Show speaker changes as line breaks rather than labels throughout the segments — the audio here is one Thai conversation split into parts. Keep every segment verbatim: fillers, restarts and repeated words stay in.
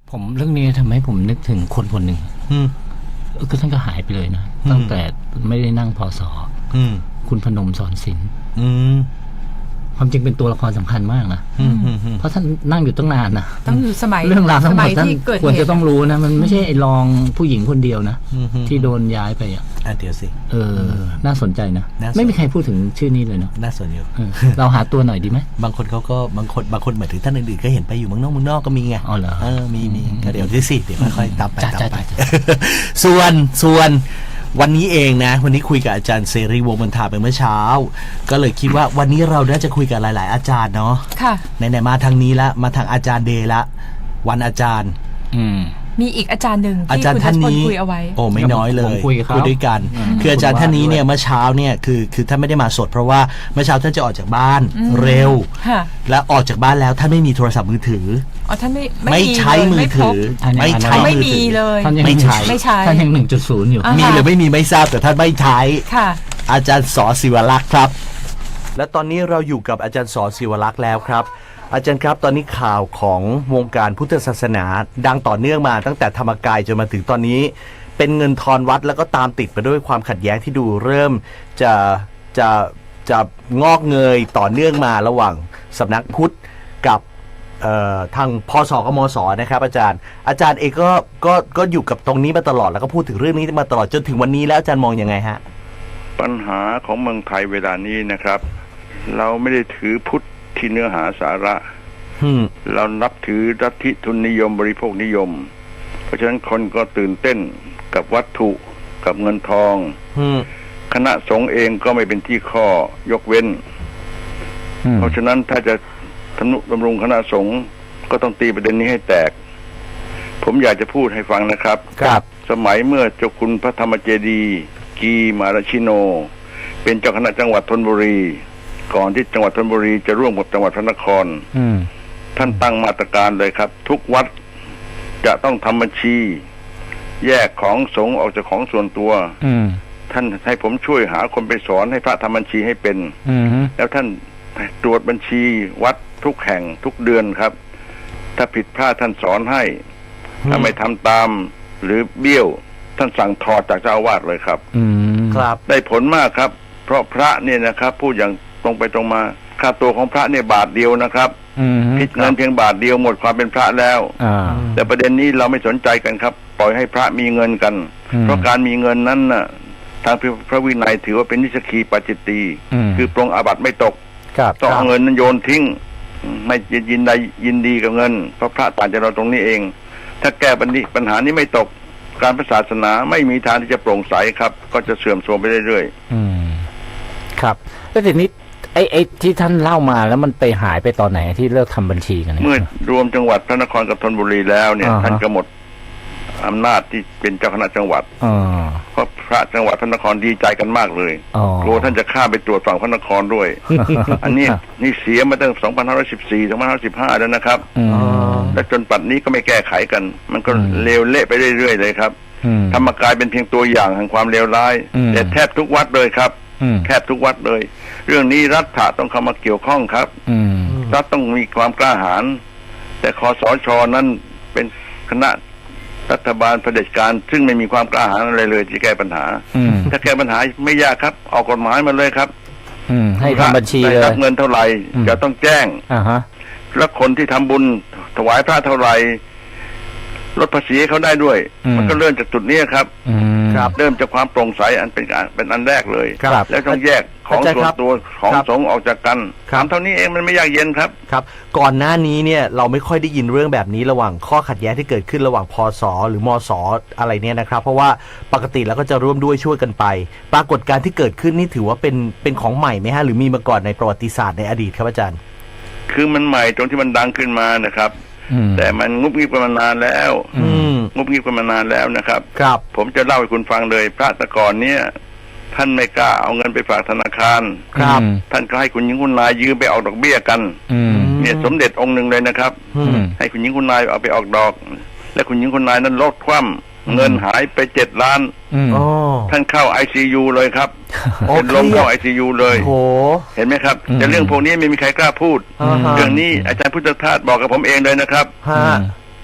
ผมเรื่องนี้ทำให้ผมนึกถึงคนคนหนึ่งก็ท่านก็หายไปเลยนะตั้งแต่ไม่ได้นั่งพศคุณพนมสอนศิลป์ความจริงเป็นตัวละครสำคัญมากนะเพราะท่านนั่งอยู่ตั้งนานนะ
ตั้งอยู่สมัย
เรื่องราวทั้งหมดท่านควรจะต้องรู้นะมันไม่ใช่ไอ้รองผู้หญิงคนเดียวนะที่โดนย้ายไปอ่ะ
เดี๋ยวสิ
เออน่าสนใจนะไม่มีใครพูดถึงชื่อนี้เลยเนาะ
น่าสนอยู่
เราหาตัวหน่อยดีไหม
บางคนเขาก็บางคนบางคนหมายถึงท่านอื่นๆก็เห็นไปอยู่เมืองนอกเมืองนอกก็มีไง
อ๋อเหรอ
เออมีมีก็เดี๋ยวสิเดี๋ยวค่อยๆตามไปตามไปส่วนส่วนวันนี้เองนะวันนี้คุยกับอาจารย์เสรีวงศ์บรรทาไปเมื่อเช้าก็เลยคิดว่าวันนี้เราน่าจะคุยกับหลายๆอาจารย์เนาะ
ค่ะ
ไหนๆมาทางนี้ละมาทางอาจารย์เดย์ละวันอาจารย์
อืม
มีอีกอาจารย์หนึ่ง
ที่คุณทัชพล
คุยเอาไว้
โอ้ไม่น้อยเลยคุยด้วยกันคืออาจารย์ท่านนี้เนี่ยเมื่อเช้าเนี่ยคือคือท่านไม่ได้มาสดเพราะว่าเมื่อเช้าท่านจะออกจากบ้านเร็วและออกจากบ้านแล้วท่านไม่มีโทรศัพท์มือถือ
อ๋อท่านไม่
ไม่ใช้มือถือไม่ใช้
ไม่มีเลย
ไม่ใช้
ไม่ใช้
ท่านยัง หนึ่งจุดศูนย์ อยู่
มีหรือไม่มีไม่ทราบแต่ท่านไม่ใช้
ค่ะ
อาจารย์ส.ศิวลักษณ์ครับและตอนนี้เราอยู่กับอาจารย์ส.ศิวลักษณ์แล้วครับอาจารย์ครับตอนนี้ข่าวของวงการพุทธศาสนาดังต่อเนื่องมาตั้งแต่ธรรมกายจนมาถึงตอนนี้เป็นเงินทอนวัดแล้วก็ตามติดไปด้วยความขัดแย้งที่ดูเริ่มจะจะจะงอกเงยต่อเนื่องมาระหว่างสำนักพุทธกับทางพสกับมสนะครับอาจารย์อาจารย์เองก็ก็ก็อยู่กับตรงนี้มาตลอดแล้วก็พูดถึงเรื่องนี้มาตลอดจนถึงวันนี้แล้วอาจารย์มองยังไงฮะ
ปัญหาของเมืองไทยเวลานี้นะครับเราไม่ได้ถือพุทธที่เนื้อหาสาระเรานับถือลัทธิทุนนิยมบริโภคนิยมเพราะฉะนั้นคนก็ตื่นเต้นกับวัตถุกับเงินทองคณะสงฆ์เองก็ไม่เป็นที่ข้อยกเว้นเพราะฉะนั้นถ้าจะทนุบำรุงคณะสงฆ์ก็ต้องตีประเด็นนี้ให้แตกผมอยากจะพูดให้ฟังนะครับ
ครับ
สมัยเมื่อเจ้าคุณพระธรรมเจดีย์กีมาราชิโนเป็นเจ้าคณะจังหวัดธนบุรีก่อนที่จังหวัดธนบุรีจะร่วมกับจังหวัดพระนครท่านตั้งมาตรการเลยครับทุกวัดจะต้องทำบัญชีแยกของสงฆ์ออกจากของส่วนตัวท่านให้ผมช่วยหาคนไปสอนให้พระทำบัญชีให้เป็นแล้วท่านตรวจบัญชีวัดทุกแห่งทุกเดือนครับถ้าผิดพลาดท่านสอนให้ถ้าไม่ทำตามหรือเบี้ยวท่านสั่งถอดจากเจ้าอาวาสเลยครับ
ครับ
ได้ผลมากครับเพราะพระเนี่ยนะครับพูดอย่างตรงไปตรงมาค่าตัวของพระเนี่ยบาทเดียวนะครับผิดเงินเพียงบาทเดียวหมดความเป็นพระแล้วแต่ประเด็นนี้เราไม่สนใจกันครับปล่อยให้พระมีเงินกันเพราะการมีเงินนั้นน่ะทางพระวินัยถือว่าเป็นนิสกีปาจิตตีคือปรงอาบัติไม่ตกต้องเอาเงินนั้นโยนทิ้งไม่ยินดียินดีกับเงินเพราะพระต่างจากเราตรงนี้เองถ้าแก้ปัญหานี้ไม่ตกการศาสนาไม่มีทางที่จะโปร่งใสครับก็จะเสื่อมโทรมไปเรื่อย
ๆครับแล้วทีนี้ไอ้ไอ้ที่ท่านเล่ามาแล้วมันไปหายไปตอนไหนที่เลิกทำบัญชีกัน
เมื่อรวมจังหวัดพระนครกับธนบุรีแล้วเนี่ยท่านก็หมดอำนาจที่เป็นเจ้าคณะจังหวัดเพราะพระจังหวัดพระนครดีใจกันมากเลยกลัวท่านจะข้าไปตรวจฝั่งพระนครด้วย อันนี้นี่เสียมาตั้งสองพันห้าร้อยสิบสี่ สองพันห้าร้อยสิบห้าแล้วนะครับและจนปัจจุบันนี้ก็ไม่แก้ไขกันมันก็เลวเละไปเรื่อยๆเลยครับธรรมกายเป็นเพียงตัวอย่างแห่งความเลวร้ายแต่แทบทุกวัดเลยครับแทบทุกวัดเลยเรื่องนี้รัฐะต้องเข้ามาเกี่ยวข้องครับรัฐต้องมีความกล้าหาญแต่คสช.นั้นเป็นคณะรัฐบาลเผด็จการซึ่งไม่มีความกล้าหาญอะไรเลยที่แก้ปัญหาถ้าแก้ปัญหาไม่ยากครับออกกฎหมายมาเลยครับ
ให้ทำบัญชีเลย
รับเงินเท่าไหร่จะต้องแจ้งแล้วคนที่ทำบุญถวายพระเท่าไหร่ลดภาษีเขาได้ด้วยมันก็เริ่มจากจุดนี้ครับครับเริ่มจากความโปร่งใสอันเป็นเป็นอันแรกเลยแล้วต้องแยกของส่วนตัวของสงฆ์ออกจากกันถามเท่านี้เองมันไม่ยากเย็นครับ
ครับก่อนหน้านี้เนี่ยเราไม่ค่อยได้ยินเรื่องแบบนี้ระหว่างข้อขัดแย้งที่เกิดขึ้นระหว่างพสหรือมสอะไรเนี่ยนะครับเพราะว่าปกติแล้วก็จะร่วมด้วยช่วยกันไปปรากฏการณ์ที่เกิดขึ้นนี่ถือว่าเป็นเป็นของใหม่ไหมฮะหรือมีมาก่อนในประวัติศาสตร์ในอดีตครับอาจารย์
คือมันใหม่ตรงที่มันดังขึ้นมานะครับแต่มันงุบงิบกันมานานแล้วงุบงิบกันมานานแล้วนะครับ
ครับ
ผมจะเล่าให้คุณฟังเลยพระตะกอนเนี่ยท่านไม่กล้าเอาเงินไปฝากธนาคาร
ครับ
ท่านก็ให้คุณหญิงคุณนายยืมไปออกดอกเบี้ยกันเนี่ยสมเด็จองค์หนึ่งเลยนะครับให้คุณหญิงคุณนายเอาไปออกดอกและคุณหญิงคุณนายนั้นลดคว่ำเงินหายไปเจ็ดล้านท่านเข้า ไอ ซี ยู เลยครับเป็นลมเข้า ไอ ซี ยู เลยเห็นไหมครับแต่เรื่องพวกนี้ไม่มีใครกล้าพูดเรื่องนี้อาจารย์พุทธทาสบอกกับผมเองเลยนะครับ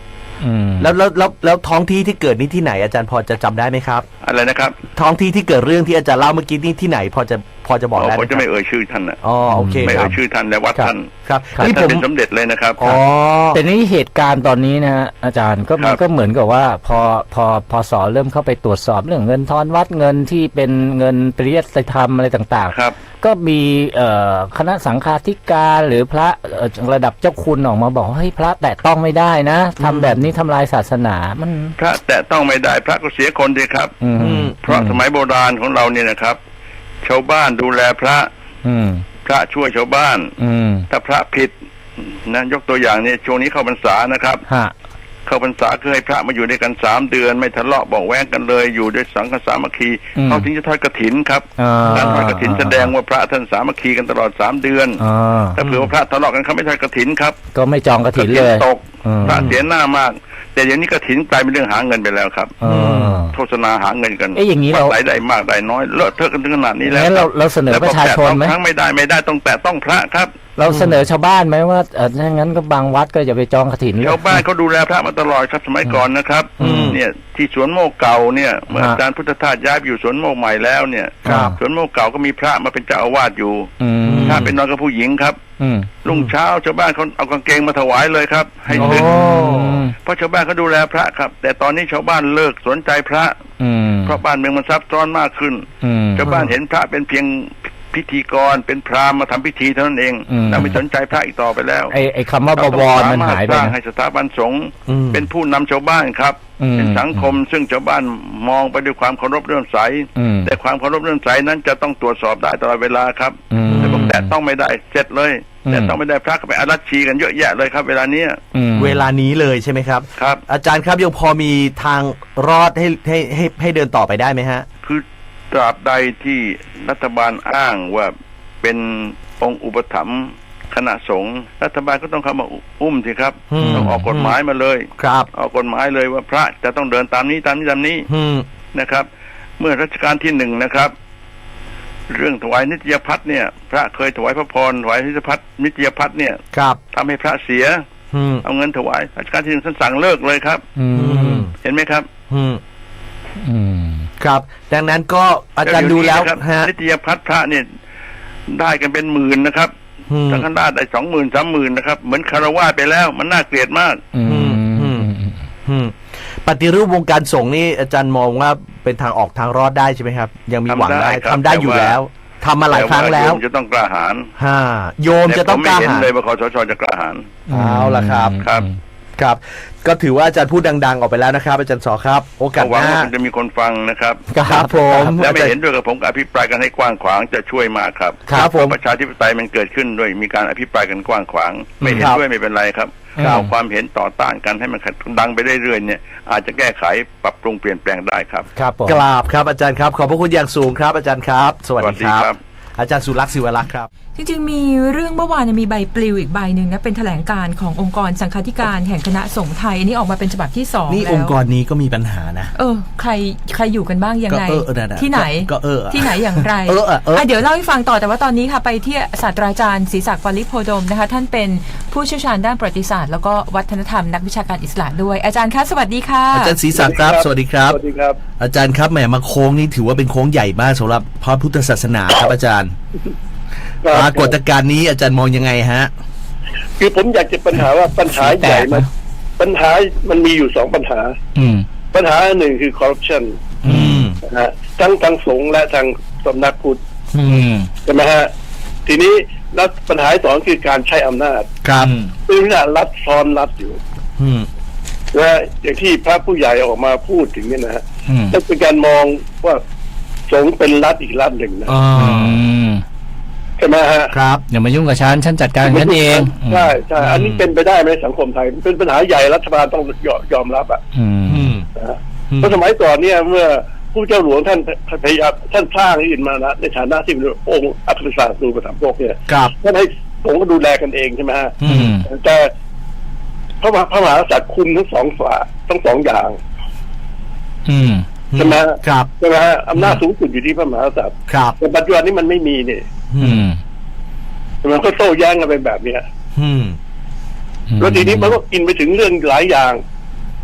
อืม
แล้วแล้วแล้วแล้วท้องที่ที่เกิดนี่ที่ไหนอาจารย์พอจะจำได้ไหมครับ
อะไรนะครับ
ท้องที่ที่เกิดเรื่องที่อาจารย์เล่าเมื่อกี้นี่ที่ไหนพอจะพอจะบอกได้ไห
ผม ม
ค
จะ
รับ
ไม่เอ่ยชื่อท่านนะ
อ๋อโอเค
ไม่
ค
เอ่
รั
ย
บ
ชื่อท่านและวัด
ครับ
ท่าน
ครับ
ท่าน
นี่ผม
เป็นสมเด็จเลยนะครับ
อ๋อ
แต่นี่เหตุการณ์ตอนนี้นะฮะอาจารย์ก็มัน
ครับ
ก็เหมือนกับว่าพอพอพอสอเริ่มเข้าไปตรวจสอบเรื่องเงินทอนวัดเงินที่เป็นเงินปริยัติธรรมอะไรต่าง
ครับ
ๆ ก็มีเอ่อคณะสังฆาธิการหรือพระเอ่อระดับเจ้าคุณออกมาบอกว่าเฮ้ยพระแตะต้องไม่ได้นะทำแบบนี้ทำลายศาสนามัน
พระแต่ต้องไม่ได้พระก็เสียคนดีครับ
อืม
อืม
เพราะสมัยโบราณของเราเนี่ยนะครับ ชาวบ้านดูแลพระ
อืม
พระช่วยชาวบ้าน
อืม
ถ้าพระผิดนะยกตัวอย่างเนี่ยช่วงนี้เข้าพรรษานะครับ
ฮะ
เข้าพรรษาคือให้พระมาอยู่ด้วยกันสามเดือน ไม่ทะเลาะเบอกแว้งกันเลยอยู่ด้วยสังฆสามัคคี
อืม
เขาถึงจะทอดกฐินครับ
อ่า
การทอดกฐินแสดงว่าพระท่านสามัคคีกันตลอดสามเดือน
อ่า
ถ้าเผื่อว่าพระทะเลาะกันเขาไม่ทอดกฐินครับ
ก็ไม่จองกระถินเลย
ตก
อืม
พระเสียหน้ามาก แต่เดี๋ยวนี้กฐินกลายเป็นเรื่องหาเงินไปแล้วครับ
อ่า
โฆษณาหาเงินกัน
เอ๊ะอย่างนี้เรา
ว่ไหนได้มากได้น้อยเลอะเทอะกันถึงขนาดนี้แล้ว
งั้นเราเราเสนอประชาชนไหม
แล้วบอกแตะต้องครั้งไม่ได้ไม่ได้ต้องแต่ต้องพระครับ
เราเสนอชาวบ้านไหมว่าเออถ้างั้นก็บางวัดก็อย่าไปจองกฐินเลย
ชาวบ้านเขาดูแลพระมาตลอดครับสมัยก่อนนะครับ
อืม
เนี่ยที่สวนโมกเก่าเนี่ยเมื่อ
ฮะ
อาจารย์พุทธทาสย้ายไปอยู่สวนโมกใหม่แล้วเนี่ย
ครับ
สวนโมกเก่าก็มีพระมาเป็นเจ้าอาวาสอยู่
อืม
พระเป็นนอนกับผู้หญิงครับ
อืม
รุ่งเช้าชาวบ้านเขาเอากางเกงมาถวายเลยครับ ให้
โอ้
ศึกเพราะชาวบ้านเขาดูแลพระครับ แต่ตอนนี้ชาวบ้านเลิกสนใจพระ
อืม
เพราะบ้านเมืองมันซับซ้อนมากขึ้น
อืม
ชาวบ้านเห็นพระเป็นเพียงพิธีกรเป็นพราหมณ์มาทำพิธีเท่านั้นเอง
อืม
เราไม่สนใจพระอีกต่อไปแล้ว
ไอไอคำว่าบวรมันหายไป
เรต้องสมรถสร้าง
นะ
ให้สถาบันสงฆ์
อืม
เป็นผู้นำชาวบ้านครับ
อืม
เป็นสังคมซึ่งชาวบ้านมองไปด้วยความเคารพเลื่อมใส
อืม
แต่ความเคารพเลื่อมใสนั้นจะต้องตรวจสอบได้ตลอดเวลาครับ
อืม
แต่บอกแต่ต้องไม่ได้เสร็จเลย
อืม
แต่ต้องไม่ได้พระก็ไปอารัชชีกันเยอะแยะเลยครับ เวลาเนี้ย
อืม
เวลานี้เลยใช่ไหมครับ
ครับ
อาจารย์ครับยังพอมีทางรอดให้ให้ให้ให้เดินต่อไปได้ไหมฮะ
คือตราบใดที่รัฐบาลอ้างว่าเป็นองค์อุปถัมภ์คณะสงฆ์รัฐบาลก็ต้องเข้ามาอุ้มสิครับ
อืม
ต้องออกกฎหมายมาเลย
ครับ
ออกกฎหมายเลยว่าพระจะต้องเดินตามนี้ตามนี้ตามนี้
อืม
นะครับ เมื่อรัชกาลที่หนึ่งนะครับ เรื่องถวายนิตยพัฒน์เนี่ย พระเคยถวายพระพรถวายนิตยพัฒน์นิตยพัฒน์เนี่ย
ครับ
ทำให้พระเสีย
อืม
เอาเงินถวายรัชกาลที่หนึ่งท่านสั่งเลิกเลยครับ
อื
อื
ม
ม
เห็นไหมครับ
อืม
อืม
ครับ ดังนั้นก็อาจารย์ดูแล้ว
เดี๋ยนี้นะครับ
ฮะ
นิตยพัฒน์พระเนี่ยได้กันเป็นหมื่นนะครับ
อืม
สังฆราชได้สองหมื่นสามหมื่นนะครับ เหมือนคารวะไปแล้วมันน่าเกลียดมาก
อืม
อืม อืมปฏิรูปวงการสงฆ์นี่อาจารย์มองว่าเป็นทางออกทางรอดได้ใช่ไหมครับ ยังมีหวังได้
ทำได้ครับ
ทำได้อยู่แล้วทำมาหลายครั้งแล้ว
ต่าโยมจะต้องกล้าหาญ
ฮะโยมจะต้องกล้า
แต่ผมไม่เห็น
หาญ
เลยว่าคสชจะกล้าหาญ
เอาล่ะครับ
ครับ
ครับ ก็ถือว่าอาจารย์พูดดัง ๆ ออกไปแล้วนะครับ อาจารย์สอครับ โอกาส
หวั
ห
ง
น้า
ว่ามันจะมีคนฟังนะครับ
ครับผม
และไม่เห็นด้วยกับผมก็อภิปรายกันให้กว้างขวางจะช่วยมากครับ
ครับผม
ประชาธิปไตยมันเกิดขึ้นด้วยมีการอภิปรายกันกว้างขวาง ไม่เห็น
ครับ
ด้วยไม่เป็นไรครับ
ครับ
เอาความเห็นต่อต้านกันให้มันดังไปเรื่อยๆเนี่ยอาจจะแก้ไขปรับปรุงเปลี่ยนแปลงได้ครับ
ครับผม
กราบครับอาจารย์ครับ ขอบพระคุณอย่างสูงครับ อาจารย์ครับ สวัส
สวัส
ดี
ดี
ครับ
ครับ
อาจารย์สุรักษ์ศิวรักษ์ครับ
จริงๆ มีเรื่องเมื่อวานมีใบปลิวอีกใบหนึ่งนะเป็นแถลงการขององค์กรสังฆาธิการแห่งคณะสงฆ์ไทยอันนี้ออกมาเป็นฉบับที่สอง
นี่
แล้ว
องค์กรนี้ก็มีปัญหานะ
เออใครใครอยู่กันบ้างยังไง
ก็เออเออนั่นน่ะ
ที่ไหน
ก็เออ
ที่ไหนอย่างไร
เออเออเออ
เดี๋ยวเล่าให้ฟังต่อแต่ว่าตอนนี้ค่ะไปที่ศาสตราจารย์ศรีศักดิ์ปริโพดมนะคะท่านเป็นผู้เชี่ยวชาญด้านประวัติศาสตร์แล้วก็วัฒนธรรมนักวิชาการอิสระด้วยอาจารย์คะสวัสดีค่ะ
อาจารย์ศรีศักดิ์ครับ สวัสดีครับ
สวัสดีครับ
อาจารย์ครับแหมมาโค้งนี่ถือว่าเป็นโค้งใหญ่มากสำหรับพระพุทธศาสนาครับอาจารย์ปรากฏการณ์นี้อาจารย์มองยังไงฮะ
คือผมอยากจะปัญหาว่าปัญหาใหญ่มันปัญหามันมีอยู่สองปัญหา
อืม
ปัญหาหนึ่งคือคอร์รัปชัน
อืม
นะฮะทั้งทางสงฆ์และทางสำนักพุทธ
อืม
ใช่ไหมฮะทีนี้แล้วปัญหาที่สองคือการใช้อำนาจ
ครับ
ซึ่งเนี่ยรัฐซ้อนรัฐอยู่
อืม
นะอย่างที่พระผู้ใหญ่ออกมาพูดถึงเนี่ยนะฮะ
อืม
นั่นเป็นการมองว่าสงฆ์เป็นรัฐอีกรัฐหนึ่งนะ
อ๋อ
อืม
ใช่ไหมฮะ
ครับ
อย่ามายุ่งกับฉันฉันจัดการฉันเอง
ใช่ใช่อันนี้เป็นไปได้ไหมสังคมไทยเป็นปัญหาใหญ่รัฐบาลต้องยอมยอมรับอ่ะ
อืม
อืม
นะฮะ
อืม
เพราะสมัยก่อนเนี่ยเมื่อผู้เจ้าหลวงท่านพยายามท่านสร้างอินมานะในฐานะที่เป็นองค์อัครศาสตร์ดูประถมภกเนี่ย
ครับ
ท่านให้สงฆ์ก็ดูแลกันเองใช่ไหมฮะ
อืม
แต่พระมหาพระมหากษัตริย์คุมทั้งสองฝ่ายทั้งสองอย่าง
อืม
ใช่ไหมฮะ
ครับ
ใช่ไหมฮะอำนาจสูงสุดอยู่ที่พระมหากษัตริย์
ครับ
แต่ปัจจุบันนี้มันไม่มีเนี่ย
อืม
มันก็โต้แย้งกันไปแบบเนี้ย
อืม
แล้วทีนี้มันก็กินไปถึงเรื่องหลายอย่าง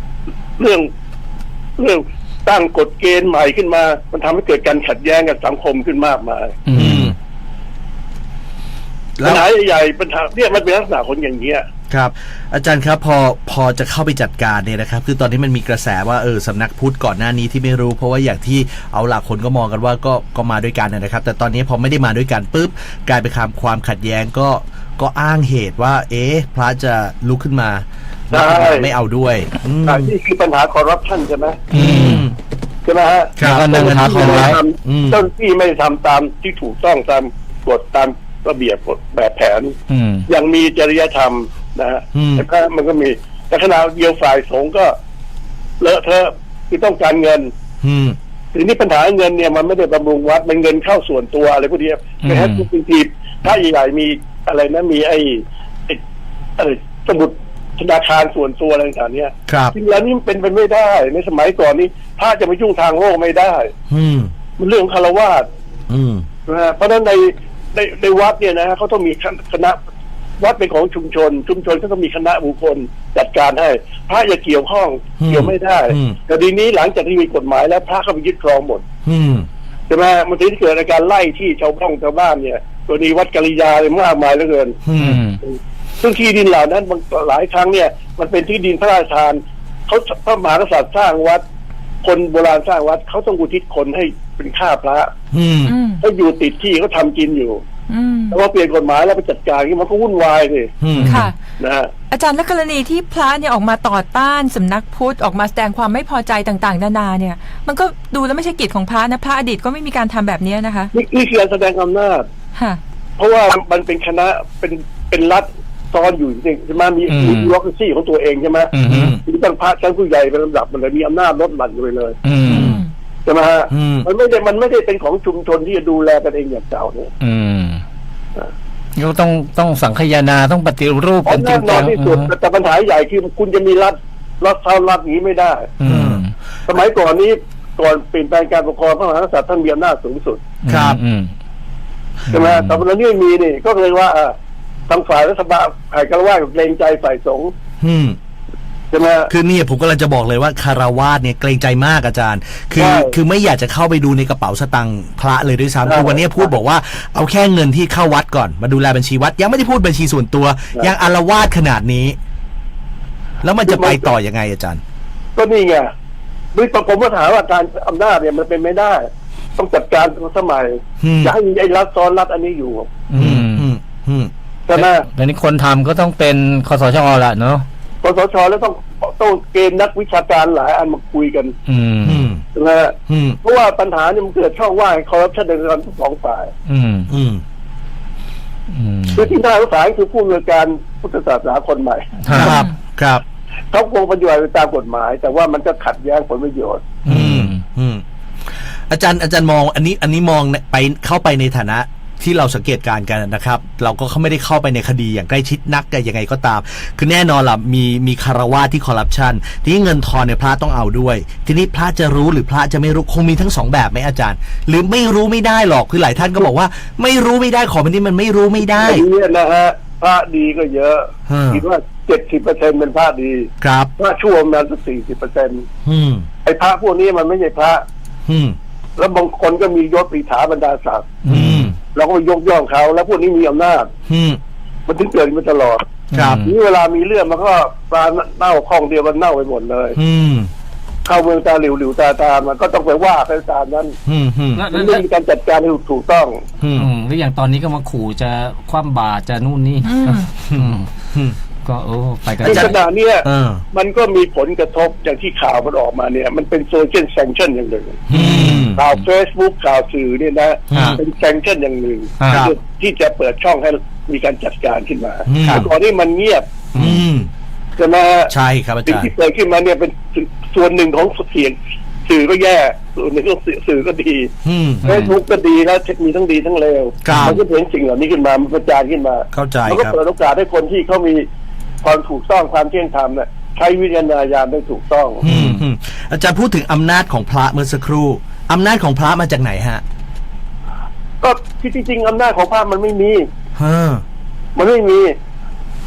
เรื่องเรื่องตั้งกฎเกณฑ์ใหม่ขึ้นมามันทำให้เกิดการขัดแย้งกับสังคมขึ้นมากมาย
อืม
แล้
ปั
ว
ญหาใหญ่ๆปัญหาเนี่ยมันเป็นลักษณะคนอย่างเงี้ย
ครับอาจารย์ครับพอพอจะเข้าไปจัดการเนี่ยนะครับคือตอนนี้มันมีกระแสว่าเออสำนักพุทธก่อนหน้านี้ที่ไม่รู้เพราะว่าอย่างที่เอาหลักคนก็มองกันว่าก็ก็มาด้วยกันนะครับแต่ตอนนี้พอไม่ได้มาด้วยกันปุ๊บกลายเป็นความความขัดแย้งก็ก็อ้างเหตุว่า เอ๊ะพระจะลุกขึ้นมา
ใช่
ไม่เอาด้วยอืม
อ่านี่คือปัญหาคอร์รัปชันใช่ไหม
อืม
ใช่ไหมฮะ
ครับ
แล้วก็นั่งทับเอาไว้
อืม
เจ้าหน้าที่ไม่ทำตามที่ถูกต้องตามกฎตามระเบียบกฎแบบแผน
อืม
ยังมีจริยธรรมนะฮะ
อืม
แต่ก็มันก็มีแต่ขณะเดียวฝ่ายสงฆ์ก็เลอะเทอะคือต้องการเงิน
อืม
ทีนี้ปัญหาเงินเนี่ยมันไม่ได้บำรุงวัดมันเงินเข้าส่วนตัวอะไรพวกนี้
อืม
นะฮะจริงๆถ้าใหญ่ๆมีอะไรนะมีไอ้ไอ้ไอ้สมุดธนาคารส่วนตัวอะไรต่างๆเนี่ย
ครับ
จริงแล้วนี่มันเป็นไปไม่ได้ในสมัยก่อนนี้พระจะมายุ่งทางโลกไม่ได้
อืม
มันเรื่องของคารวาส
อืม
นะฮะเพราะฉะนั้นในในในวัดเนี่ยนะฮะเขาต้องมีคณะวัดเป็นของชุมชน ชุมชนก็ต้องมีคณะบุคคลจัดการให้พระอย่าเกี่ยวข้อง
อืม
เกี่ยวไม่ได้
อืม
แต่ทีนี้หลังจากที่มีกฎหมายแล้วพระเข้าไปยึดครองหมด
อืม
ใช่ไหมมันถึงเกิดอาการไล่ที่ชาวบ้านชาวบ้านเนี่ยตัวนี้วัดกัลยาเลยมากมายเหลือเกิน
อื
อื
ม
ม
ซึ่งที่ดินเหล่านั้นบางหลายครั้งเนี่ย มันเป็นที่ดินพระราชทานเขาพระมหากษัตริย์สร้างวัด คนโบราณสร้างวัดเขาต้องอุทิศคนให้เป็นข้าพระ
อืม
อืม
เขาอยู่ติดที่เขาทำกินอยู่
อืม
แต่ว่าเปลี่ยนกฎหมายแล้วไปจัดการนี่มันก็วุ่นวายสิ
อืม
ค่ะ
นะฮะ
อาจารย์และกรณีที่พระเนี่ยออกมาต่อต้านสำนักพุทธออกมาแสดงความไม่พอใจต่างๆ นานาเนี่ย มันก็ดูแล้วไม่ใช่กิจของพระนะพระอดีตก็ไม่มีการทำแบบนี้นะคะ
นี่นี่คือการแสดงอำนาจ
ค่ะ
เพราะว่ามันเป็นคณะเป็นเป็นรัฐซ้อนอยู่จริงๆใช่ไหมมี
อืม
มีบิวโรคราซีของตัวเองใช่ไหม
อืม
มีตั้งพระชั้นผู้ใหญ่เป็นลำดับมันเลยมีอำนาจลดหลั่นกันไปเลย
อืม
ใช่ไหมฮะ
อืม
มันไม่ได้มันไม่ได้เป็นของชุมชนที่จะดูแลกันเองอย่างเก่าเนี่ย
อืมก็ต้องต้องสังคายนาต้องปฏิรูป
เพราะ
กันจริ
แน่
ง
นอ
จั
น
ง
ที่สุดแต่ปัญหาใหญ่คือคุณจะมีรัฐรัฐเท่ารัฐนี้ไม่ได้
อืม
สมัยก่อนนี้ก่อนเปลี่ยนแปลงการปกครองพระมหากษัตริย์ท่านมีอำนาจสูงสุด
ครับ
อืม
ใช่ไหมแต่วันนี้ไม่มีนี่ก็เลยว่าอ่ะทางฝ่ายรัฐบาลฝ่ายกระว่าเกรงใจฝ่ายสงฆ์
อืม
ใช่ไหม
คือเนี่ยผมกำลังจะบอกเลยว่าคารวาสเนี่ยเกรงใจมากอาจารย์ คือ
ใช่
คือไม่อยากจะเข้าไปดูในกระเป๋าสตังค์พระเลยด้วยซ้ำ
ใช่
คือวันนี้พูดบอกว่าเอาแค่เงินที่เข้าวัดก่อนมาดูแลบัญชีวัด ยังไม่ได้พูดบัญชีส่วนตัว ยังอารวาสขนาดนี้ แล้วมันจะไปต่อยังไงอาจารย์
ก็นี่ไงด้วยผมก็ถามว่าการอำนาจเนี่ยมันเป็นไม่ได้ ต้องจัดการสมัย
อืม
จะให้มีไอ้รัฐซ้อนรัฐอันนี้อยู่
อืม
อืมอืม
ใช่ไหม
แล้วนี่คนทำก็ต้องเป็นคสชละเนาะ
กสชแล้วต้องต้องเกณฑ์นักวิชาการหลายอันมาคุยกัน
อืม
อืม
ใช่ไหม
อืม
เพราะว่าปัญหาเนี่ยมันเกิดช่องว่างคอร์รัปชันในระดับทั้งสองฝ่าย
อืม
อืม
อืม
คือที่น่าสงสารคือผู้อำนวยการพุทธศาสนาคนใหม่
ครับ ครับ
เขาคงปฏิบัติไปตามกฎหมาย แต่ว่ามันก็ขัดแย้งผลประโยชน์
อืม
อืม อาจารย์อาจารย์มอง อันนี้ อันนี้มองไปเข้าไปในฐานะที่เราสังเกตการณ์กันนะครับ เราก็ไม่ได้เข้าไปในคดีอย่างใกล้ชิดนักแต่ยังไงก็ตาม คือแน่นอนล่ะมีมีคารวาสที่คอร์รัปชันทีนี้เงินทอนเนี่ยพระต้องเอาด้วย ทีนี้พระจะรู้หรือพระจะไม่รู้คงมีทั้งสองแบบไหมอาจารย์ หรือไม่รู้ไม่ได้หรอกคือหลายท่านก็บอกว่า ไม่รู้ไม่ได้ของแบบนี้มันไม่รู้ไม่ได้
ไอ้เนี่ยนะฮะพระดีก็เยอะ
ฮะ
คิดว่าเจ็ดสิบเปอร์เซ็นเป็นพระดี
ครับ
พระชั่วมันสักสี่สิบเปอร์เซ็นต์
อืม
ไอ้พระพวกนี้มันไม่ใช่พระ
อืม
แล้วบางคนก็มียศปรีถาบรรดาศักดิ์
อืม
เราก็ไปยกย่องเขา แล้วพวกนี้มีอำนาจ
อืม
มันถึงเกิดมาตลอด
ครับ
นี่เวลามีเรื่องมันก็ปลาเน่าคลองเดียวมันเน่าไปหมดเลย
อืม
เข้าเมืองตาหลิวหลิวตาตามมันก็ต้องไปว่าไปตามนั้น
อืมอืม
มันไม่มีการจัดการให้ถูกต้อง
อืม
อืมแล้วอย่างตอนนี้ก็มาขู่จะคว่ำบาตรจะนู่นนี่
อืม
อืม
อืม
ก็โอ้ไปกัน
ในขณะเนี้ย
เออ
มันก็มีผลกระทบอย่างที่ข่าวมันออกมาเนี่ย มันเป็นโซเชียลแซงชั่นอย่างหนึ่ง
อืม
ข่าวเฟซบุ๊กข่าวสื่อเนี่ยนะ
ครับ
เป็นแซงชั่นอย่างหนึ่ง
ครับ
ที่จะเปิดช่องให้มีการจัดการขึ้นมา
อืม
แต่ก่อนที่มันเงียบ
อืม
ใช่ไหม
ใช่ครับอา
สิ่ง
จารย์
ที่เกิดขึ้นมาเนี่ยเป็นส่วนหนึ่งของเสียงสื่อก็แย่ส่วนหนึ่งของสื่อก็ดี
อืม
เฟซบุ๊กก็ดีแล้วมีทั้งดีทั้งเลว
ครับ
มันก็เห็นสิ่งเหล่านี้ขึ้นมามันประจานขึ้นมา
เข้าใจ
มันก็
ครับ
เปิดโอกาสให้คนที่เขามีความถูกต้องความเที่ยงธรรมเนี่ยใช้วิจารณญาณได้ถูกต้อง
อืมอืมอาจารย์พูดถึงอำนาจของพระเมื่อสักครู่อำนาจของพระมาจากไหนฮะ
ก็ที่จริงๆอำนาจของพระมันไม่มี
ฮะ
มันไม่มี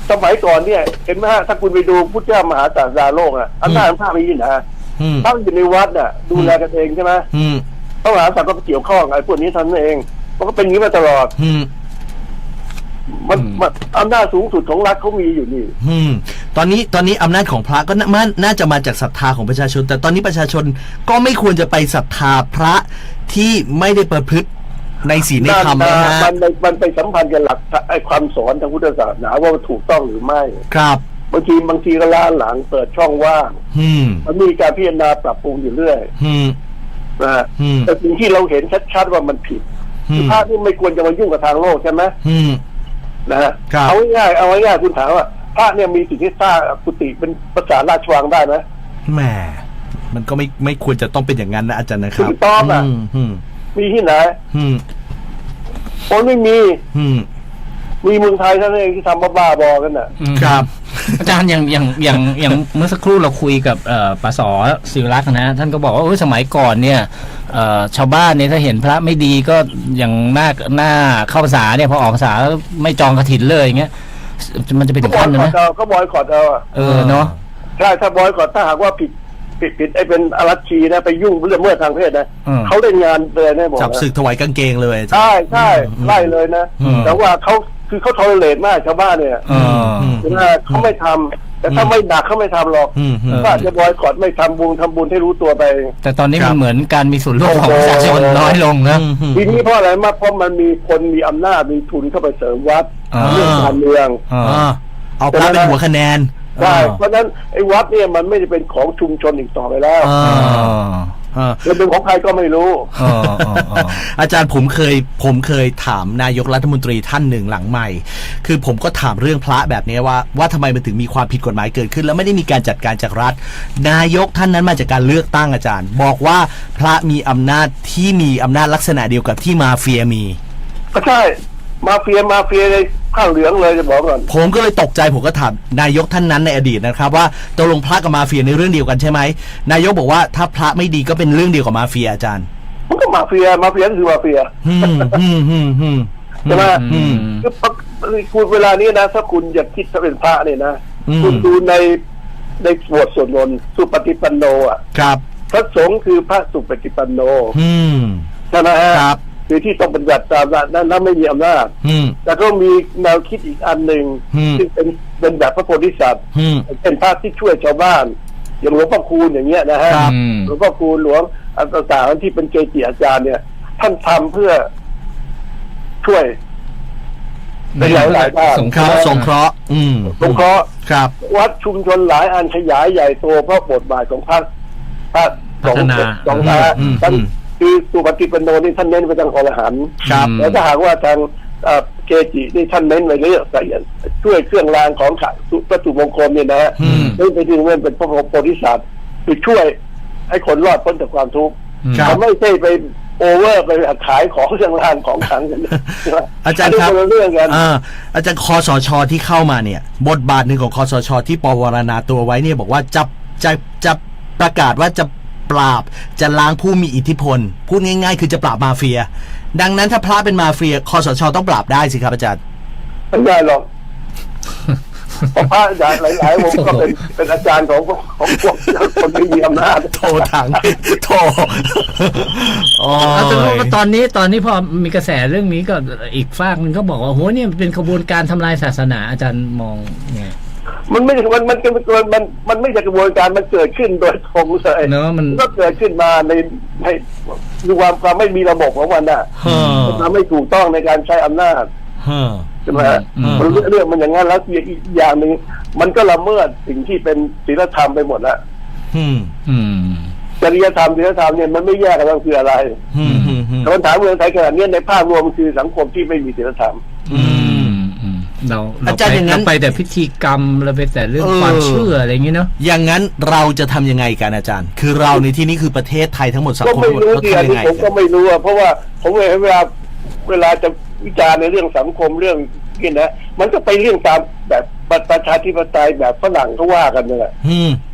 สมัยก่อนเนี่ยเห็นไหมฮะถ้าคุณไปดูพุทธเจ้ามหาศาสดาโลกอ่ะอำนาจพระมีที่ไหน
อืม
ถ้าอยู่ในวัดน่ะดูแลกันเองใช่ไหม
อืม
พระมหากษัตริย์ก็เกี่ยวข้องไอ้พวกนี้ทำเองมันก็เป็นอย่างนี้มาตลอด
อืม
มันมันอำนาจสูงสุดของรัฐเขามีอยู่นี่
อืมตอนนี้ตอนนี้อำนาจของพระก็น่าน่าจะมาจากศรัทธาของประชาชน แต่ตอนนี้ประชาชนก็ไม่ควรจะไปศรัทธาพระที่ไม่ได้ประพฤติในศีลในธรรมนะฮะ
มันมันมันไปสัมพันธ์กับหลักไอ้ความสอนทางพุทธศาสนาว่ามันถูกต้องหรือไม่
ครับ
บางทีบางทีก็ล้าหลังเปิดช่องว่าง
อืม
มันมีการพิจารณาปรับปรุงอยู่เรื่อย
อืม
นะฮะ
อืม
แต่สิ่งที่เราเห็นชัดๆว่ามันผิด
อืม
พระที่ไม่ควรจะมายุ่งกับทางโลกใช่ไหม
อืม
นะฮะ
ครับ
เอาง่ายๆเอาง่ายๆคุณถามว่าพระเนี่ยมีสิทธิ์ที่สร้างกุฏิเป็นภาษาราชวังได้ไหม
แหมมันก็ไม่ไม่ควรจะต้องเป็นอย่างนั้นนะอาจารย์นะครับ
ถูกต้องอ่ะ
มอืม
มีที่ไหน
อืม
คนไม่มี
อืม
มีเมืองไทยเท่านั้นเองที่ทำบ้าๆบอๆกันน่ะ
อืม
ครับ
อาจารย์อย่างอย่างอย่างอย่างเมื่อสักครู่เราคุยกับเอ่อปสศิวรักษ์นะท่านก็บอกว่าเออสมัยก่อนเนี่ยเอ่อชาวบ้านเนี่ยถ้าเห็นพระไม่ดีก็อย่างหน้าหน้าเข้าพรรษาเนี่ยพอออกพรรษาแล้วไม่จองกฐินเลยอย่างเงี้ยมันจะไปถึงขั้นนั้นไหม
ก็บอยคอรดเอาอะ
เออเนาะ
ใช่ถ้าบอยคอรดถ้าหากว่าผิดผิดผิดไอ้เป็นอรัชชีนะไปยุ่งเรื่องเมื่อทางเพศนะ
อืม
เขาเล่นงานเลยแน่บอก
จับ
นะ
ศึกถวายกางเกงเลยอาจารย์
ใช่ใช่
อืม
ไล่เลยนะ
อืม
แต่ว่าเขาคือเขาทอเลตมากชาวบ้านเนี่ย
เออ
ม
ใช่ไหมเขาไม่ทำแต่ถ้าไม่หนักเขาไม่ทำหรอก
อืมอืม
ก็อาจจะบอยคอรดไม่ทำบุญทำบุญให้รู้ตัวไป
แต่ตอนนี้
ครั
มัน
บ
เหมือนการมีส่วนร่วมของประชาชนน้อยลงนะ
อืมอืม
ทีนี้เพราะอะไรมากเพราะมันมีคนมีอำนาจมีทุนเข้าไปเสริมวัด
อ่า
เรื่องการเมือง
อ่า
อ่าเอาพระเป็นหัวคะแนน
ใช่เพราะฉะนั้นไอ้วัดเนี่ยมันไม่ได้เป็นของชุมชนอีกต่อไปแล้ว
อ่า
อ่า
อ่า
มันเป็นของใครก็ไม่รู้
อ่าอ่าอ่า
อาจารย์ผมเคยผมเคยถามนายกรัฐมนตรีท่านหนึ่งหลังใหม่ คือผมก็ถามเรื่องพระแบบนี้ว่าว่าทำไมมันถึงมีความผิดกฎหมายเกิดขึ้น แล้วไม่ได้มีการจัดการจากรัฐ นายกท่านนั้นมาจากการเลือกตั้งอาจารย์ บอกว่าพระมีอำนาจที่มีอำนาจลักษณะเดียวกับที่มาเฟียมี
ก็ใช่มาเฟียมาเฟียเลยข้างเหลืองเลยจะบอกก่อน
ผมก็เลยตกใจผมก็ถามนายกท่านนั้นในอดีตนะครับว่าตกลงพระกับมาเฟียในเรื่องเดียวกันใช่ไหมนายกบอกว่าถ้าพระไม่ดีก็เป็นเรื่องเดียวกับมาเฟียอาจารย์
มันก็มาเฟียมาเฟียก็คือมาเฟีย
อืมอืมอืมอืม
ใช่ไหม
อืม
คือคุณเวลานี้นะถ้าคุณอยากคิดจะเป็นพระเนี่ยนะ
อืม
คุณดูในในบทสวดมนต์สุปฏิปันโนอ่ะ
ครับ
พระสงฆ์คือพระสุปฏิปันโน
อืม
ใช่ไหมฮะ
ครับ
คือที่ต้องปฏิบัติตามนั้นนั้นไม่มีอำนาจ
อืม
แต่ก็มีแนวคิดอีกอันหนึ่ง
อืม
ซึ่งเป็นเป็นแบบพระโพธิสัตว์
อืม
เป็นพระที่ช่วยชาวบ้าน อย่างหลวงพ่อคูณอย่างเงี้ยนะฮะ
ครับ
อืม
หลวงพ่อคูณหลวงอันต่างๆที่เป็นเกจิอาจารย์เนี่ย ท่านทำเพื่อช่วยในหลายหลายๆด้าน
สง
ครับสงเคราะห์ อืม
สงเคราะห์
ครับ
วัดชุมชนหลายอันขยายใหญ่โตเพราะบทบาทของพระพระสงฆ์
พัฒนา
สองพระ
อืม
ท่าน
อืม
คือสุปฏิปันโนนี่ท่านเน้นไปทางอรหันต์
ครับ
แล้วถ้าหากว่าทางเอ่อเกจินี่ท่านเน้นไปเรื่องใส่ช่วยเครื่องรางของขลังวัตถุมงคลเนี่ยนะฮะ
อืม
นี่ไปถึงเรื่องเป็นพระโพธิสัตว์คือช่วยให้คนรอดพ้นจากความทุกข์
ครับ
เขาไม่ใช่ไปโอเวอร์ไปขายของเครื่องรางของขลังกัน
อาจารย์ครับ
นนี้นละเรื่องกัน
อ่าอาจารย์คอสชที่เข้ามาเนี่ย บทบาทหนึ่งของคอสชที่ปวารณาตัวไว้เนี่ยบอกว่าจะจะจะประกาศว่าจะปราบจะล้างผู้มีอิทธิพล พูดง่ายๆ คือจะปราบมาเฟีย ดังนั้นถ้าพระเป็นมาเฟียคอสชต้องปราบได้สิครับอาจารย์
ไม่ได้หรอกเพราะพระอาจารย์หลายๆวงก็เป็นเป็นอาจารย์ของของพวกคนที่มีอำนาจ
โทรถังโทรอ๋อ
เอาแต่ว่าตอนนี้ตอนนี้พอมีกระแสเรื่องนี้ก็อีกฝากหนึงก็บอกว่าโหเนี่ยเป็นขบวนการทำลายศาสนาอาจารย์มองไง
มันไม่ใช่มันมันมันมันมันไม่ใช่กระบวนการมันเกิดขึ้นโดยตรงเลย
เนอะมัน
ก็เกิดขึ้นมาในในดูความความไม่มีระบบของมันน่ะ
เฮ้อ
มันทำไม่ถูกต้องในการใช้อำนาจ
เฮ้อ
ใช่ไหมฮะ
อืม
มันเรื่องเรื่องมันอย่างนั้นแล้วอีกอย่างหนึ่งมันก็ละเมิดสิ่งที่เป็นศีลธรรมไปหมดแล้ว
อืม
อืม
จริยธรรมศีลธรรมเนี่ยมันไม่แยกกันว่าคืออะไร
อืมอืมอืม
แต่ปัญหาเมืองไทยขนาดนี้ในภาพรวมมันคือสังคมที่ไม่มีศีลธรรม
อืม
อืมเรา
อาจารย์อย่างนั้น
เไปแต่พิธีกรรมเราไปแต่เรื่อง
เออ
ความเชื่ออะไรอย่างเงี้เนาะ
อย่างนั้นเราจะทำยังไงกันอาจารย์ คือเราในที่นี้คือประเทศไทยทั้งหมดสัง
ก็
คม
ไม่
ทั้งหมด
รู้
เรา
ที่อัน
ทำยั
นี้
งไง
ผมก็ไม่รู้อะเพราะว่าผมเห็นเวลาเวลาจะวิจารณ์ในเรื่องสังคมเรื่องนี่นะมันก็ไปเรื่องตามแบบประชาธิปไตยแบบฝรั่งเขาว่ากันนั่นแหละ
อืม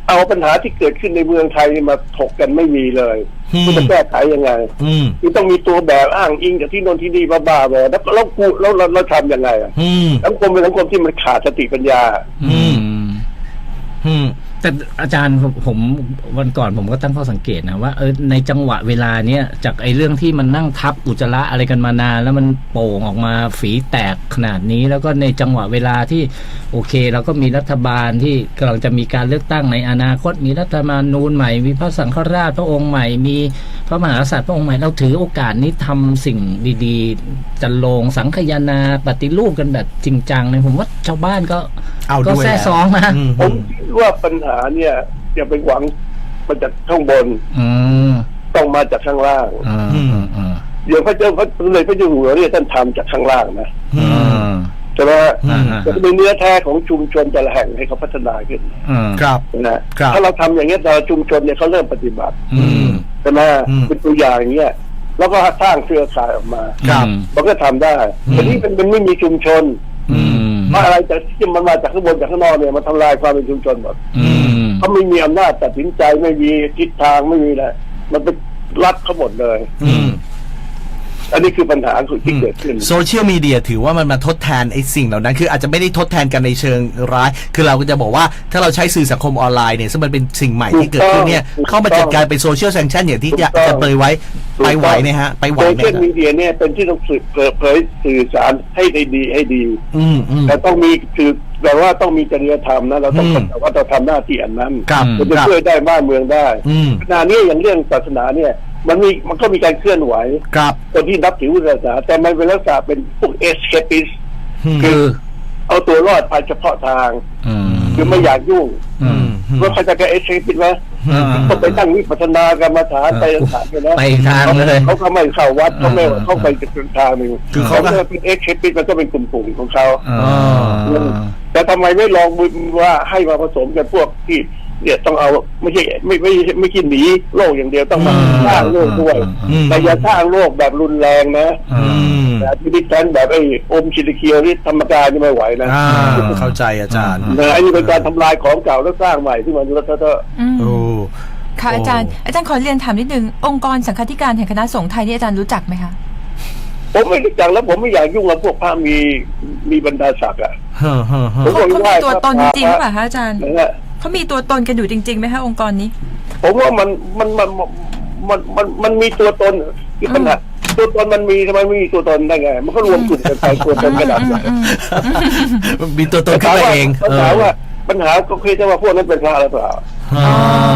เอาปัญหาที่เกิดขึ้นในเมืองไทยนี่มาถกกันไม่มีเลย
อืม
คุณจะแก้ไขยังไง
อืม
คือต้องมีตัวแบบอ้างอิงจากที่โน่นที่นี่บ้าๆเลยแล้วแล้วกูแล้วเราเราทำยังไงอ่ะ
อืม
สังคมเป็นสังคมที่มันขาดสติปัญญา
อืม อืม
แต่อาจารย์ผมผมวันก่อนผมก็ตั้งข้อสังเกตนะว่าเออในจังหวะเวลาเนี้ยจากไอ้เรื่องที่มันนั่งทับอุจจาระอะไรกันมานานแล้วมันโป่งออกมาฝีแตกขนาดนี้ แล้วก็ในจังหวะเวลาที่โอเคเราก็มีรัฐบาลที่กำลังจะมีการเลือกตั้งในอนาคตมีรัฐธรรมนูญใหม่มีพระสังฆราชพระองค์ใหม่มีพระมหากษัตริย์พระองค์ใหม่เราถือโอกาสนี้ทำสิ่งดีๆจันโลงสังคายนาปฏิรูปกันแบบจริงจังเลยผมว่าชาวบ้านก็
เอา
ก็
ด้วย
แซ่ซ้องนะ
อืม
ผมคิดว่าปัญหาเนี่ยอย่าไปหวังมาจากข้างบน
อืม
ต้องมาจากข้างล่าง
อ่าอืมอืม
เดี๋ยวพระเจ้าพระเลยพระเจ้าอยู่หัวเนี่ยท่านทำจากข้างล่างนะ
อื
อื
ม
ม
ใช่ไหมฮะ
อืม
จะเป็นเนื้อแท้ของชุมชนแต่ละแห่งให้เขาพัฒนาขึ้น
อืม
ครับ
นะครับ ถ้าเราทำอย่างเงี้ยแต่ละชุมชนเนี่ยเขาเริ่มปฏิบัติ
อืม
ใช่ไหม
อืม
เป็นตัวอย่างอย่างเงี้ยแล้วก็สร้างเครือข่ายออกมา
ครับ
มันก็ทำได้แต่นี่มันมันไม่มีชุมชน
อืม
เพราะอะไรแต่ที่มันมาจากข้างบนจากข้างนอกเนี่ยมันทำลายความเป็นชุมชนหมด
อืม
เขาไม่มีอำนาจตัดสินใจไม่มีทิศทางไม่มีอะไรมันเป็นรัดเขาหมดเลย
อืม
อันนี้คือปัญหาที่เกิดขึ้น
โซเชียลมีเดียถือว่ามันมาทดแทนไอ้สิ่งเหล่านั้น คืออาจจะไม่ได้ทดแทนกันในเชิงร้าย คือเราก็จะบอกว่าถ้าเราใช้สื่อสังคมออนไลน์เนี่ยซึ่งมันเป็นสิ่งใหม่ที่เกิดขึ้นเนี่ย
ถูกต้อง
เข้ามาจัดการเป็นโซเชียลแซงชั่นอย่างที่จะ
ถูกต้อง
จะเปรยไว้ไปไหวไหมฮะ ไปไหว
โซ
ไหม
เชียลมีเดียเนี่ยเป็นที่ต้องสื่อเผยเผยสื่อสารให้ได้ดีให้ดี
อืมอืม
แต่ต้องมีคือแต่ว่าต้องมีจริยธรรมนะเราต้อง
อืม
เข้าใจว่าเราทำหน้าที่อันนั้น
ครับ
มันจะ
ครับ
ช่วยได้บ้านเมืองได้
อืม
ขณะนี้อย่างเรื่องศาสนาเนี่ยมันมีมันก็มีการเคลื่อนไหว
ครับ
คนที่นับถือศาสนาแต่มันเป็นลักษณะเป็นพวกเอสเคปิส
คือ
เอาตัวรอดภายเฉพาะทาง
อืม
คือไม่อยากยุ่ง
อืม
ว่าเขาจะแก้เอสเคปิสไหม
อืม
ก็ไปตั้งวิปัสสนากรรมฐานไปต่างๆเนี่ยนะ
ไปทางเลย
เขาเขาไม่เข้าวัดเขาไม่เขาไปจุดทางหนึ่ง
คือเขาก็
ก็เป็นเอ็กเคปิสมันก็เป็นกลุ่มๆของเขา
อ๋อ
แต่ทำไมไม่ลองว่าให้มาผสมกันพวกที่เนี่ยต้องเอาไม่ใช่ไม่ไม่ไม่ไม่คิดหนีโลกอย่างเดียวต้องมาสร้างโลกด้วย
อืม
แต่อย่าสร้างโลกแบบรุนแรงนะ
อืม
แบบที่ดิฉันแบบไอ้อมชิลิเคียวที่ธรรมกายนี่ไม่ไหวนะ
อ่าเข้าใจอาจารย์
นะไอ้นี่เป็นการทำลายของเก่าแล้วสร้างใหม่ที่มันแล้วก็
อืม
โอ้
ค่ะอาจารย์อาจารย์ขอเรียนถามนิดนึงองค์กรสังฆาธิการแห่งคณะสงฆ์ไทยนี่อาจารย์รู้จักไหมคะ
ผมไม่รู้จักแล้วผมไม่อยากยุ่งกับพวกพระมีมีบรรดาศักดิ์อ่ะ
เฮ้อเฮ้อเฮ้อ
ผม
เขา
บอก
เขา
ว่า
มีตัวตนจริงๆหรือเปล่าคะอาจารย์
นะฮะ
เขามีตัวตนกันอยู่จริงๆไหมคะองค์กรนี้
ผมว่ามันมันมันมันมันมันมีตัวตนคือปัญหาตัวตนมันมีทำไมไม่มีตัวตนได้ไง มันก็รวมกลุ่มกันไปตัวตนกระดับ
อืมอืม
มีตัวตนขึ้นมาเอง
ปัญหาว่าปัญหาก็คือจะว่าพวกนั้นเป็นพระหรือเปล่า
อ๋อ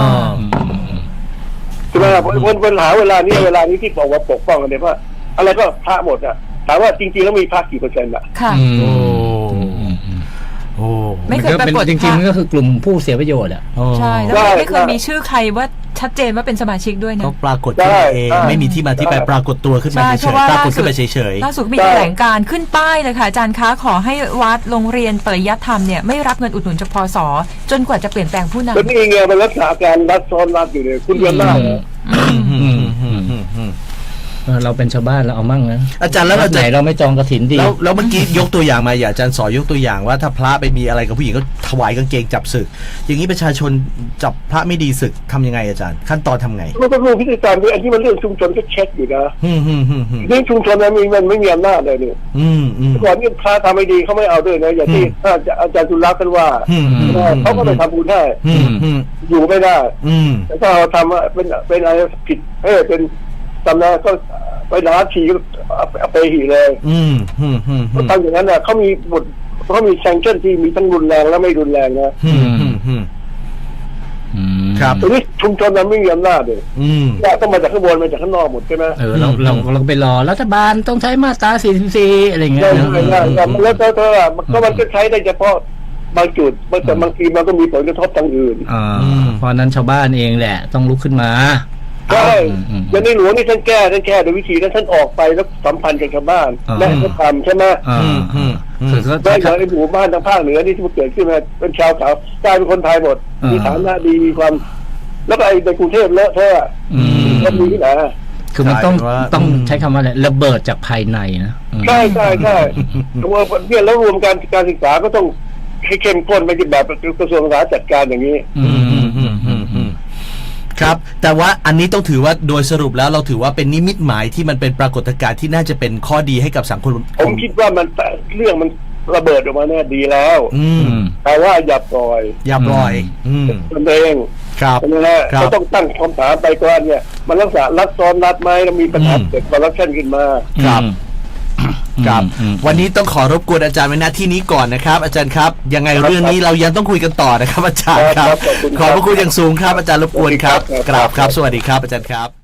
ใช่ไหมวันปัญหาเวลานี้เวลานี้ที่บอกว่าปกป้องกันเนี่ยว่าอะไรก็พระหมดอ่ะถามว่าจริงๆแล้วมีพระกี่เปอร์เซ็นต์อ่ะ
ค่ะ
โอ้โอ้
ไม่เคย
นก็
ปรากฏ
จริงๆมันก็คือกลุ่มผู้เสียประโยชน์อ่ะ
ใช่แล้ว
ได้
ไม่เคยมีชื่อใครว่าชัดเจนว่าเป็นสมาชิกด้วยนะ
เขาปรากฏขึ้นมาเอง
ได้
ไม่มีที่มาที่ไป
ได้
ปรากฏตัวขึ้นมา
ใช่
เฉ
เพราะ
ย
ว่า
ๆปรากฏ
ล่าสุ
ขึ้
ด
นมาเฉย
ล่าสุดมีแถลงการณ์ขึ้นป้ายเลยค่ะอาจารย์คะขอให้วัดโรงเรียนปริยัติธรรมเนี่ยไม่รับเงินอุดหนุนจากพศจนกว่าจะเปลี่ยนแปลงผู้นำ
แล้วนี่ไงมันรักษาการรัดซ้อนรัดอยู่เลยคุณเรียนได้เหรอ
เออเราเป็นชาวบ้านเราเอามั่งนะ
อาจารย์แล้วเรา
ไหน
จะ
เราไม่จองกฐินดี
แล้วแล้วเมื่อกี้ยกตัวอย่างมาอย่าอาจารย์สอนยกตัวอย่างว่าถ้าพระไปมีอะไรกับผู้หญิงก็ถวายกางเกงจับศึก อย่างนี้ประชาชนจับพระไม่ดีศึกทำยังไงอาจารย์ ขั้นตอนทำไง
มันก็รู้พิธีการด้วยอันที่มันเรื่องชุมชนก็เช็คอยู่นะ
อืมอืมอืมอืม
เรื่องชุมชนมันมีมันไม่มีอำนาจเลยเนี่ย
อืมอืม
ก่อนนี่พระทำไม่ดีเขาไม่เอาด้วยนะอย่างที่อาจารย์จุลลักษณ์ท่านว่า
อืมอืม
เขาก็ไปทำบุญให้
อืมอืม
อยู่ไม่ได้
อืม
แต่ถ้าเราทำว่าเป็นเป็นอะไรผิดเออเป็นตำนานก็ไปด่าฉีก็เอาไปหีเลย
อืมอืมอืม
เขาทำอย่างนั้นน่ะเขามีบทเขามีแซงชั่นที่มีทั้งรุนแรงและไม่รุนแรงนะ
อืมอืมอืม
อืม
ครับ
แต่นี่ชุมชนมันไม่มีอำนาจเลย
อืม
ว่าต้องมาจากข้างบนมาจากข้างนอกหมดใช่ไหม
เออเราเราเราไปรอรัฐบาลต้องใช้มาตราสี่สิบสี่อะไรเงี้ย
ใช่
นะ
ใช่ใช่ใช่แล้วเธอเธออ่ะมันก็มันก็ใช้ได้เฉพาะบางจุดแต่บางทีมันก็มีผลกระทบทางอื่น
อ่าเพราะนั้นชาวบ้านเองแหละ ต้องลุกขึ้นมา
ใช่
อืมอืม
อย่างในหลวงนี่ท่านแก้ท่านแก้โดยวิธีนั้นท่านออกไปแล้วสัมพันธ์กับชาวบ้าน
อ่า
และให้เขาทำใช่ไหม
อ่า
อืมอืมอืม
คือเขา
ได้อย่างในหมู่บ้านทางภาคเหนือนี่ที่มันเกิดขึ้นมาเป็นชาวเขากลายเป็นคนไทยหมด
อ่ามี
มีฐานะดีมีความ แล้วก็ไอ้ในกรุงเทพเลอะเทอะ
อืม
ก็มีที่ไหน
คือมันต้อง
ใช่ว่า
ต้องใช้คำว่าอะไรระเบิดจากภายในนะอืม
ใช่ใช่ใช่ตัวเนี่ยแล้วรวมการการศึกษาก็ต้องให้เข้มข้นไปแบบกระทรวงศึกษาจัดการอย่างนี้
อืมอืมอืม
ครับแต่ว่าอันนี้ต้องถือว่าโดยสรุปแล้วเราถือว่าเป็นนิมิตหมายที่มันเป็นปรากฏการณ์ที่น่าจะเป็นข้อดีให้กับสังคม
ผมคิดว่ามันเรื่องมันระเบิดออกมาเนี่ยดีแล้ว
อืม
แต่ว่าอย่าปล่อย
อย่าปล่อย อืม
ตนเอง
ครับ
ใช่ไหมฮะ
ครับ
ก็ต้องตั้งคำถามไปก่อนเนี่ย มันลักษณะรักซ้อนรัดไหมแล้วมีปัญหา
อืม
เกิดคอร์รัปชันขึ้นมา
ครับ
อืม
ครับ
อืม
วันนี้ต้องขอรบกวนอาจารย์ไว้ณที่นี้ก่อนนะครับ อาจารย์ครับ ยังไง
ครับ
เรื่องนี้เรายังต้องคุยกันต่อนะครับ อาจารย์ค
ครั
รับ
บขอบคุณ
ขอบพระคุณอย่างสูงครับอาจารย์รบกวนครับ
ครับ
กราบครับ สวัสดีครับอาจารย์ครับ